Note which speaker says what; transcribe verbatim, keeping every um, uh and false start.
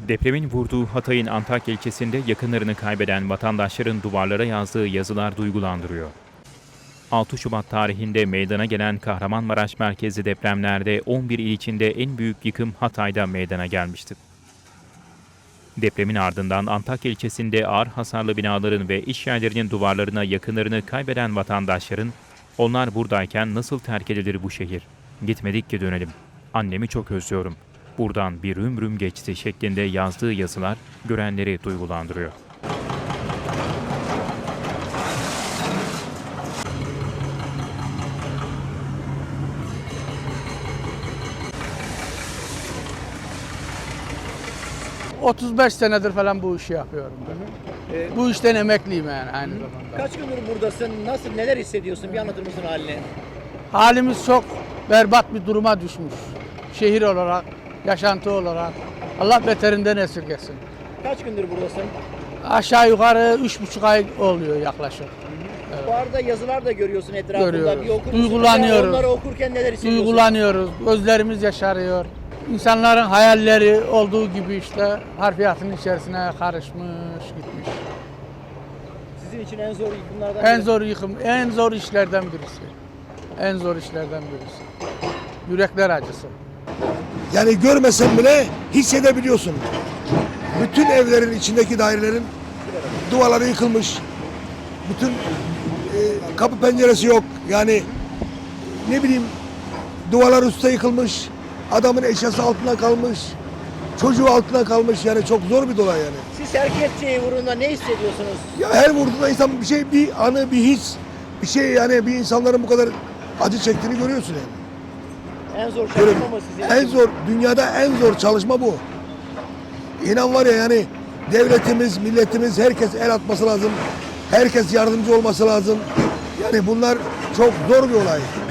Speaker 1: Depremin vurduğu Hatay'ın Antakya ilçesinde yakınlarını kaybeden vatandaşların duvarlara yazdığı yazılar duygulandırıyor. altı Şubat tarihinde meydana gelen Kahramanmaraş merkezli depremlerde on bir il içinde en büyük yıkım Hatay'da meydana gelmişti. Depremin ardından Antakya ilçesinde ağır hasarlı binaların ve iş yerlerinin duvarlarına yakınlarını kaybeden vatandaşların "Onlar buradayken nasıl terk edilir bu şehir? Gitmedik ki dönelim. Annemi çok özlüyorum. Buradan bir ömrüm geçti" şeklinde yazdığı yazılar görenleri duygulandırıyor.
Speaker 2: otuz beş senedir falan bu işi yapıyorum ben.
Speaker 3: Ee,
Speaker 2: Bu işten emekliyim yani aynı zamanda.
Speaker 3: Kaç gündür buradasın? Nasıl, neler hissediyorsun? Bir anlatır mısın halini?
Speaker 2: Halimiz çok berbat bir duruma düşmüş. Şehir olarak, yaşantı olarak. Allah beterinden esirgesin.
Speaker 3: Kaç gündür buradasın?
Speaker 2: Aşağı yukarı üç buçuk ay oluyor yaklaşık.
Speaker 3: Bu arada yazılar da görüyorsun etrafında.
Speaker 2: Görüyoruz.
Speaker 3: Bir okur musun?
Speaker 2: Duygulanıyoruz.
Speaker 3: Onları okurken neler hissediyorsun?
Speaker 2: Duygulanıyoruz, gözlerimiz yaşarıyor. İnsanların hayalleri olduğu gibi işte harfiyatın içerisine karışmış, gitmiş.
Speaker 3: Sizin için en zor yıkımlardan
Speaker 2: En
Speaker 3: biri.
Speaker 2: zor yıkım, en zor işlerden birisi. En zor işlerden birisi. Yürekler acısı.
Speaker 4: Yani görmesen bile hissedebiliyorsun. Bütün evlerin içindeki dairelerin duvarları yıkılmış. Bütün e, kapı penceresi yok. Yani ne bileyim duvarlar üstte yıkılmış. Adamın eşyası altına kalmış. Çocuğu altına kalmış. Yani çok zor bir olay yani.
Speaker 3: Siz terk edeceği vurduğunda ne hissediyorsunuz?
Speaker 4: Ya her vurduğunda insan bir şey, bir anı, bir his, bir şey yani bir insanların bu kadar acı çektiğini görüyorsun yani.
Speaker 3: En zor
Speaker 4: Böyle
Speaker 3: çalışma mı sizin
Speaker 4: en
Speaker 3: için?
Speaker 4: zor, dünyada en zor çalışma bu. İnan var ya yani devletimiz, milletimiz herkes el atması lazım. Herkes yardımcı olması lazım. Yani bunlar çok zor bir olay.